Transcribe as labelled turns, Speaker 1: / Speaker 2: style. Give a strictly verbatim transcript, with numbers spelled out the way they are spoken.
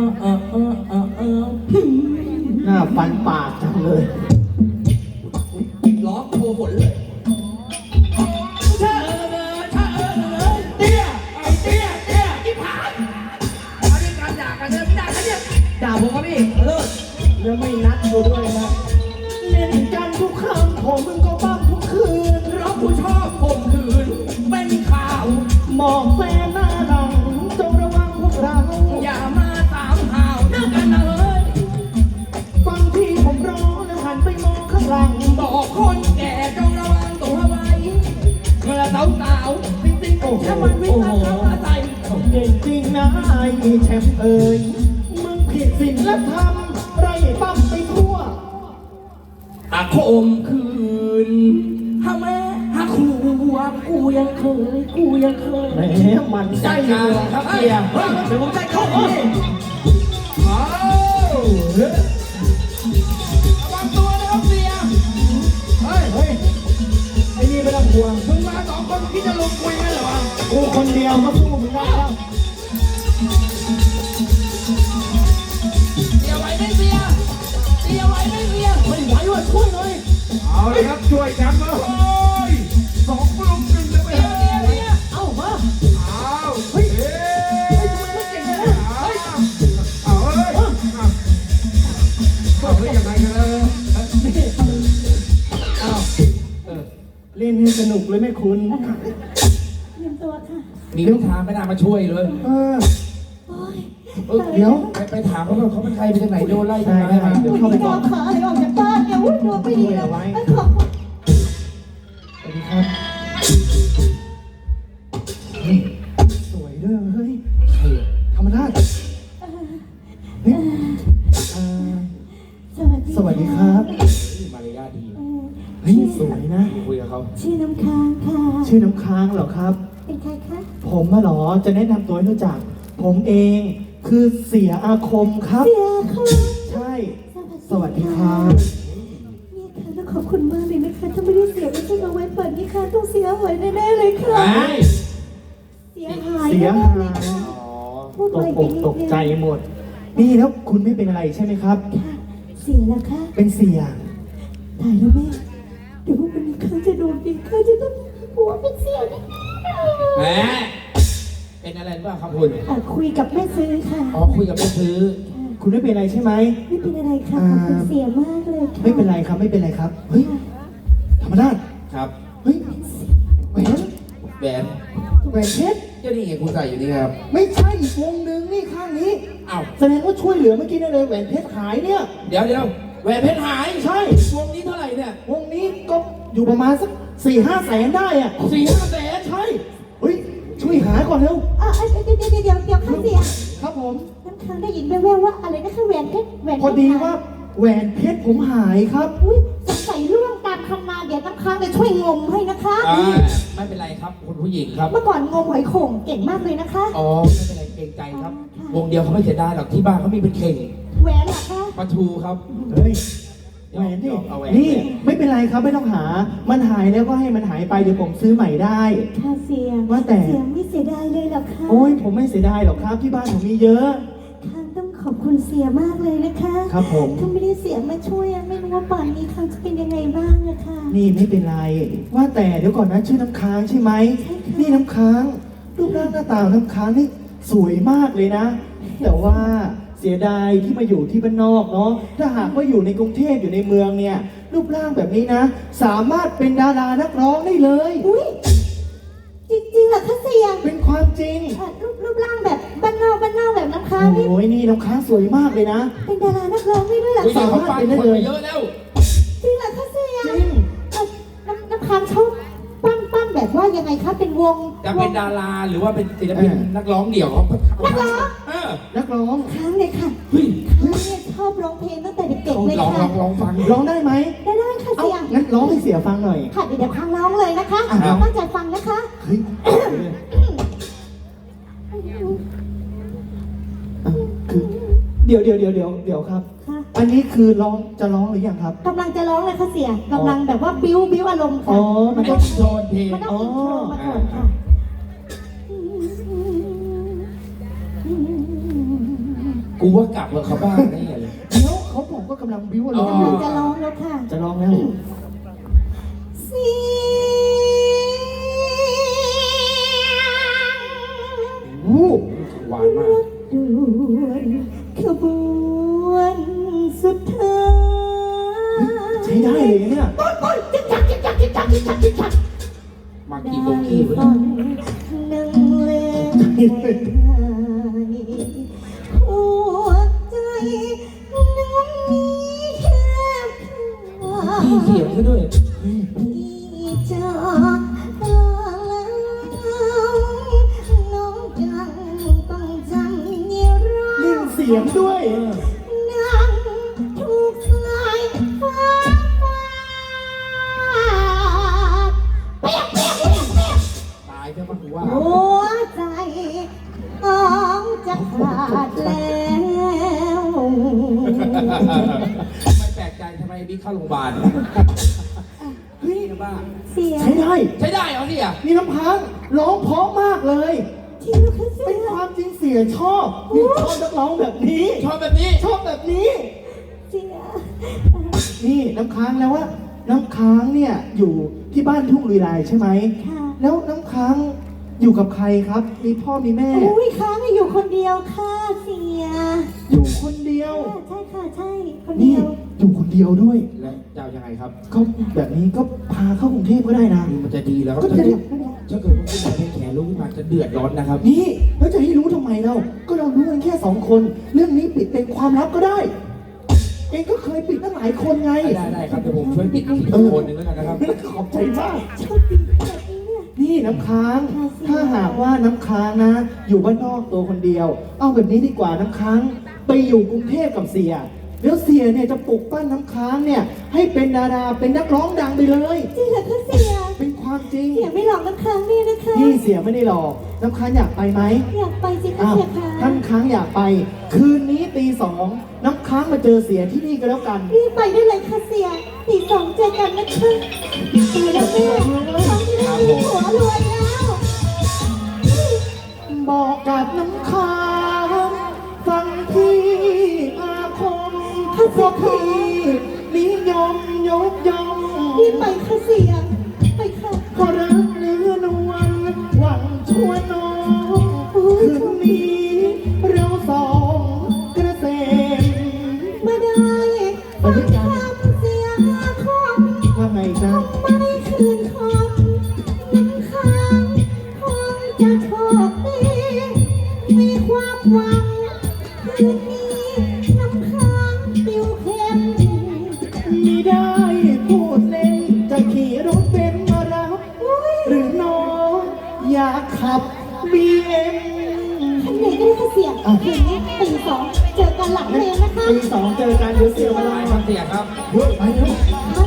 Speaker 1: เออเออเออเออ
Speaker 2: หน้าฟันปากจังเลย
Speaker 1: ร้องโชว์ผลเลยชะเออเลยชะเออเลยเตี้ยไอ้เตี้ยเตี้ยอีผานมาด้วยการด่ากันเนี่ยด่ากันเนี่ยด่าผมครับพี่เลิศ
Speaker 2: แล้วไม่นัดกูด้วยนะเล่นกันทุกครั้งของมึงก็บ้างทุกคืน
Speaker 1: เพราะผู้ชอบข่มขืนเป็นข่าว
Speaker 2: มองแฟนหน้าดังจงระวังพวกเรา
Speaker 1: อย่ามาตามข่าวนะกันนะเอ้ย
Speaker 2: ฟังที่ผมร้องแล้วหันไปมองข้างหลัง
Speaker 1: บอกคนแก่จงระวังตัวไว้เมื่อสาวสาวๆติ๊งๆถ้ามันวิ่งมาเข้ามาใส่
Speaker 2: เก่งจริงนะไอ้แชมป์เอ๋ยมึงผิดศีลธรรมไรปั้มไปทั่ว
Speaker 1: อาคมคืนฮะแม่ฮะครูว่ากูยังเคยกูยังเคย
Speaker 2: แหมมันใจ
Speaker 1: ใจ
Speaker 2: เล
Speaker 1: เลย ย
Speaker 2: ค
Speaker 1: ค
Speaker 2: รั
Speaker 1: รั
Speaker 2: บบ เสี
Speaker 1: เสี
Speaker 2: ย
Speaker 1: ยเดี๋ยวผมใจเข้าพี่เอาระวังตัวนะครับเสียเฮ้ย
Speaker 2: เฮ้ยไอ้นี่ไม่ต้องห่วง
Speaker 1: มึงมาสองคนพี่จะลงคุยกันเหรอวะ
Speaker 2: กูคนเดียวก็สู้มึงได้แล้ว
Speaker 1: เสียไหวไหมเสียเสียไหวไหมเสีย
Speaker 2: ไม่ไหวว่ะช่วยหน่อย
Speaker 3: เอาเลยครับช่วยกันเลยสองปลุกหนึ่งจะไป
Speaker 1: เสีย
Speaker 3: ให้
Speaker 1: เสียเสีย
Speaker 2: เอ้ามา
Speaker 3: เอาเฮ้ยเฮ้ยเอาเฮ้ยเอาเฮ้ยยังไงกันเลย
Speaker 2: เอ้าเล่นให้สนุกเลยแม่คุณ
Speaker 4: เตรียมตัวค่ะ
Speaker 1: มีลูกค้าไม่น่ามาช่วยเลย
Speaker 2: เออ
Speaker 4: โอ้ย
Speaker 2: เออเดี๋ยว
Speaker 1: ไปไปถามเขาว่าเขาเป็นใครมาจากไหนโดนไล่
Speaker 2: ได้
Speaker 1: ทำไม
Speaker 2: ได้
Speaker 1: มา
Speaker 2: เดี๋ยว
Speaker 4: วัน
Speaker 2: เข้าไป
Speaker 4: นี้
Speaker 2: ก่อ
Speaker 4: ดาน วขาอะไรออกจากบ้านเนี่ยอุ้ยดวงไม่ดีเลยเอ้ยขอบคุณ
Speaker 2: สวัสดีครับเฮ้ยสวยด้วยเฮ้ย
Speaker 1: ใครอะ
Speaker 2: ธรรมราชเฮ้ยเอ่อ
Speaker 4: สวัสดี
Speaker 2: สวัสดีครับ
Speaker 1: มารยาทดี
Speaker 4: เอ่อ
Speaker 2: เฮ้ยสวยนะ
Speaker 1: คุยกับเขา
Speaker 4: ชื่อน้ำค้างค่ะ
Speaker 2: ชื่อน้ำค้างเหรอครับ
Speaker 4: เป็นใครคะ
Speaker 2: ผมมาหรอจะแนะนำตัวให้รู้จัก ผมเองคือเสียอาคมครับ
Speaker 4: เสียค่ะ
Speaker 2: ใช่ สวัสดีครับ
Speaker 4: นี่ค่ะแล้วขอบคุณมากเลยนะคะถ้าไม่ได้เสียไม่ใช่เอาไว้เปิดนี่ค่ะต้องเสียหายแน่ๆเลยค่ะ
Speaker 1: ไอ้
Speaker 4: เสียหาย
Speaker 2: เสีย
Speaker 4: แน่
Speaker 2: หา
Speaker 4: ๆเลย
Speaker 2: ย
Speaker 4: ค่ะ
Speaker 1: อ๋อ
Speaker 4: พูด
Speaker 2: ต
Speaker 4: ไป
Speaker 2: กอกตกใจหมด นี่แล้วคุณไม่เป็นอะไรใช่ไหมครับ
Speaker 4: ค่ะเสียแล้วค่ะ
Speaker 2: เป็นเสีย
Speaker 4: ตายแล้วแม่เดี๋ยววันนี้ข้าจะโดนดีข้าจะต้องหัวเป็นเสียแน่
Speaker 1: แหมเป็นอะไรหรือเปล่าครับคุณ
Speaker 4: ๆอ่ะคุยกับแม่ซื้อค่ะ
Speaker 1: อ๋อคุยกับแม่ซื้อ
Speaker 2: คุณไม่เป็นอะไรใช่ไหม
Speaker 4: ไม่เป็นอะไรค่ะขอบคุณเสียมากเลยค่ะ
Speaker 2: ไม่เป็นไรครับไม่เป็นไรครับ เฮ้ย ธรรมราช
Speaker 1: ครับ
Speaker 2: เฮ้ยแหวน
Speaker 1: แหวน
Speaker 2: แหวนเพชร
Speaker 1: เจ้านี่ไงคุณใส่อยู่นี่ครับ
Speaker 2: ไม่ใช่อีกวงหนึ่งนี่ข้างนี้
Speaker 1: อ้าว
Speaker 2: แสดงว่าช่วยเหลือเมื่อกี้นั่นเลยแหวนเพชรหายเนี่ย
Speaker 1: เดี๋ยวเดี๋ยวแหวนเพชรหาย
Speaker 2: ใช่
Speaker 1: วงนี้เท่าไหร่เนี่ยว
Speaker 2: งนี้ก็อยู่ประมาณสักสี่ห้าแสนได้อะ
Speaker 1: สี่ห้าแสน
Speaker 2: ใช่ เฮ้ย ช่วยหาก่อนเร็ว
Speaker 4: อ่ะเดี๋ยวเดี๋ยวเดี๋ยวเดี๋ยวเดี๋ยวข้าเสีย
Speaker 2: ครับผม
Speaker 4: น้ำค้างได้ยินแว่วๆว่าอะไรนะคะแหวนเพชรแหวนเพชร
Speaker 2: พอดีว่าแหวนเพชรผมหายครับ
Speaker 4: อุ้ยสงสัยล่วงตามคันนาเดี๋ยวน้ำค้างจะช่วยงมให้นะคะ
Speaker 1: อ่าไม่เป็นไรครับคุณผู้หญิงครับ
Speaker 4: เมื่อก่อนงมหอยโข่งเก่งมากเลยนะคะ
Speaker 1: อ๋อไม่เป็นไรเกรงใจครับ วงเดียวเขาไม่เสียดายหรอกที่บ้านเขามีเป็นเข่ง
Speaker 4: แหวนเหรอคะ
Speaker 1: ปลาทูครับ
Speaker 2: เฮ้ย แหวนนี่
Speaker 1: เอาแหวน
Speaker 2: นี่ไม่เป็นไรครับไม่ต้องหา มันหายแล้วก็ให้มันหายไปเดี๋ยวผมซื้อใหม่ได้
Speaker 4: ค่ะเสีย
Speaker 2: ว่าแต่
Speaker 4: เสียไม่เสียดายเลยเหรอคะ
Speaker 2: โอ้ยผมไม่เสียดายหรอกครับที่บ้านผมมีเยอะ
Speaker 4: ค้างต้องขอบคุณเสียมากเลยนะคะ
Speaker 2: ครับผม
Speaker 4: ถ้าไม่ได้เสียมาช่วยอะไม่รู้ว่าป่านนี้ค้างจะเป็นยังไงบ้างอะค่ะ
Speaker 2: นี่ไม่เป็นไร ว่าแต่เดี๋ยวก่อนนะชื่อน้ำค้างใช่ไหม
Speaker 4: ใช่ค่ะ
Speaker 2: นี่น้ำค้าง รูปร่างหน้าตาของน้ำค้างนี่สวยมากเลยนะ แต่ว่าเสียดายที่มาอยู่ที่บ้านนอกเนาะ ถ้าหากว่าอยู่ในกรุงเทพอยู่ในเมืองเนี่ย รูปร่างแบบนี้นะ สามารถเป็นดารานักร้องได้เลย
Speaker 4: อุ้ยจริงๆเหรอคะเสีย
Speaker 2: เป็นความจริง
Speaker 4: อ่ะรูปรูปร่างแบบบ้านนอกบ้านนอกแบบน้ำค้างนี่
Speaker 2: โอ้ยนี่น้ำค้างสวยมากเลยนะ
Speaker 4: เป็นดารานักร้องได้ด้วยเหรอ
Speaker 1: ผู้หญิ
Speaker 4: คะ
Speaker 1: งเขาฟังคนไปเยอะแล้ว
Speaker 4: จริงเหรอคะเสีย
Speaker 2: จริง
Speaker 4: เอ่อน้ำน้ำค้างเขาปั้นปั้นแบบว่ายังไงคะเป็นวง
Speaker 1: จะเป็นดาราหรือว่าเป็นศิลปินนักร้องเดี่ยวเขา
Speaker 4: นักร้อง
Speaker 1: เออ
Speaker 2: นักร้อง
Speaker 4: ค้างเลยค่ะ
Speaker 1: เฮ้ย
Speaker 4: ค้างเนี่ยชอบร้องเพลงตั้งแต่เด็กๆเลย
Speaker 1: ลองล
Speaker 4: ค่ะ
Speaker 1: องลองฟัง
Speaker 2: ร้องได้ไหม
Speaker 4: ได้ได้ค่ะ
Speaker 2: เอ้า
Speaker 4: เสีย
Speaker 2: งั้นร้องให้เสียฟังหน่อย
Speaker 4: ค่ะเดี๋ยวเดี๋ยวค้างร้องเลยนะคะ
Speaker 2: อ่ะครับ
Speaker 4: ตั้งใจฟังนะคะ
Speaker 2: เฮ้ยอ่ะคือเดี๋ยวเดี๋ยวเดี๋ยวเดี๋ยวเดี๋ยวครับ
Speaker 4: ค่ะ
Speaker 2: อันนี้คือร้องจะร้องหรือยังครับ
Speaker 4: กำลังจะร้องเลยค่ะเสียกำลังแบบว่าบิ้วบิ้วอารมณ์
Speaker 2: อ๋
Speaker 4: ค่ะ
Speaker 2: อ มัน
Speaker 1: ไอ้
Speaker 2: ต้อง
Speaker 1: โทนเพลง
Speaker 4: มันต้องอินโทรมาก่อนค่ะ
Speaker 1: กูว่ากลับเถอะเขาบ้าแน่เลย
Speaker 2: เดี๋ยวเขาบอกว่ากำลังบิ้วร้อง
Speaker 4: กำ
Speaker 2: อ
Speaker 4: ลัง
Speaker 2: ยู่
Speaker 4: จะร้องแล้วค่ะ
Speaker 2: จะร้องแล้ว
Speaker 4: เสียง
Speaker 2: วู้
Speaker 1: หวานมาก
Speaker 4: ด่วนขบวนสุดท้าย
Speaker 2: ใช้ได้เลยเนี่ย
Speaker 4: จิ๊กจักจิ๊กจักจิ๊กจักจิ๊กจักจิ๊กจัก
Speaker 1: มา
Speaker 4: ได้
Speaker 1: กี่โบกี้วะ
Speaker 4: ฟั
Speaker 1: เนี่ย
Speaker 4: งหนึ่งเล่มหัวใจน้องมีแค่เธอ
Speaker 1: พี่เสียงซะด้วย
Speaker 4: พี่จะลาแล้วน้องจังต้องจำเนียร้อ
Speaker 2: เล่นเสียงด้วย
Speaker 4: นั่งถูกสายฟ้าฟาดเปียกเปียกเปียกเปียก
Speaker 1: ตายใช่ปะกูว่า
Speaker 4: หัวใจน้องจะขาดแล้ว
Speaker 1: ไม่แปลกใจทำไมบิ๊กเข้าโรงพยาบาลเฮ้ยนะบ้า
Speaker 4: เสีย
Speaker 2: ใช้ได้
Speaker 1: ใช้ได้เหรอเนี่ย
Speaker 2: นี่น้ำพังร้องเพราะมากเลย
Speaker 4: ที่ลูกค้าเสี
Speaker 2: เป็น
Speaker 4: ย
Speaker 2: ความจริงเสียชอบนี่ชอบนักร้องแบบนี้
Speaker 1: ชอบแบบนี้
Speaker 2: ชอบแบบนี้
Speaker 4: เสีย
Speaker 2: นี่น้ำค้างแล้วว่า น้ำค้างเนี่ยอยู่ที่บ้านทุ่งลุยลายใช่ไหม
Speaker 4: ค่ะ
Speaker 2: แล้วน้ำค้างอยู่กับใครครับ มีพ่อมีแม่
Speaker 4: อุ้ยค้างอยู่คนเดียวค่ะเสีย
Speaker 2: อยู่คนเดียว
Speaker 4: ใช่ค่ะใช่คน
Speaker 2: นี่
Speaker 4: เดียว
Speaker 2: อยู่คนเดียวด้วย
Speaker 1: แล้วจะเอายังไงครับ
Speaker 2: ก็แบบนี้ก็พาเข้ากรุงเทพก็ได้นะ
Speaker 1: มันจะดีแล้ว
Speaker 2: ก็จะได้
Speaker 1: ถ้าเกิดว่าคุณนายเป็นแขนรู้ขึ้นมาจะเดือดร้อนนะครับ
Speaker 2: นี่แล้วจะให้รู้ทำไมเรา ก็เรารู้กันแค่สองคน เรื่องนี้ปิดเป็นความลับก็ได้ เองก็เคยปิดตั้งหลายคนไง
Speaker 1: ได้ได้ครับเดี๋ยวผมช่วยปิดอีกคนหนึ่งแล้วกันนะครับ
Speaker 2: ขอบใจมาก
Speaker 4: โชคดีแบบนี้เนี่ย
Speaker 2: นี่น้ำค้าง ถ้าหากว่าน้ำค้างนะ อยู่บ้านนอกตัวคนเดียว เอาแบบนี้ดีกว่าน้ำค้าง ไปอยู่กรุงเทพกับเสีย แล้วเสียเนี่ยจะปลุกปั้นน้ำค้างเนี่ย ให้เป็นดาราเป็นนักร้องดังไปเลย
Speaker 4: จริงเหรอคะเสีย
Speaker 2: เป็นความจริง
Speaker 4: เสียไม่หลอกน้ำค้างนี่นะคะ
Speaker 2: นี่เสียไม่ได้หลอกน้ำค้างอยากไปไหม
Speaker 4: อยากไปสิคะ
Speaker 2: อ้าว
Speaker 4: เสียคะ
Speaker 2: ท่านค้างอยากไป คืนนี้ตีสองน้ำค้างมาเจอเสียที่นี่ก็แล้วกัน
Speaker 4: รีบไปได้เลยค่ะเสียตีสองเจอกันนะคะไปแล้วแม่น้องจะได้มีหัวรวยแล้ว
Speaker 2: บอกกับน้ำค้างฟังพี่อาคมเพราะพี่นิยมยกย่อง
Speaker 4: รีบไปค่ะเสียไปค่ะ
Speaker 2: ก็รักเนื้อนวลหวังชั่วน้องคืนนี้เราสองกระเซ็น
Speaker 4: มาได้ฟังคำเสียคม
Speaker 2: ว่าไงจ๊ะ
Speaker 4: ไม่คืนคมน้ำค้างคงจะโชคดีมีความหวังคืนนี้น้ำค้างปิวเข้ม
Speaker 2: ไม่ได้พูดเล่นจะขี่รถเป็นซ์มารับ หรือน้องอยากขับ บีเอ็ม
Speaker 4: คันไหนก็ได้ค่ะเสียคืนนี้ตีสองเจอกันหลังเพลงนะคะ
Speaker 2: ตีสองเจอกันเดี๋ยวเสียเว
Speaker 1: ไป
Speaker 2: ลา
Speaker 1: ครับเสียครับ
Speaker 2: เฮ้ยไปเร็ว
Speaker 4: ไป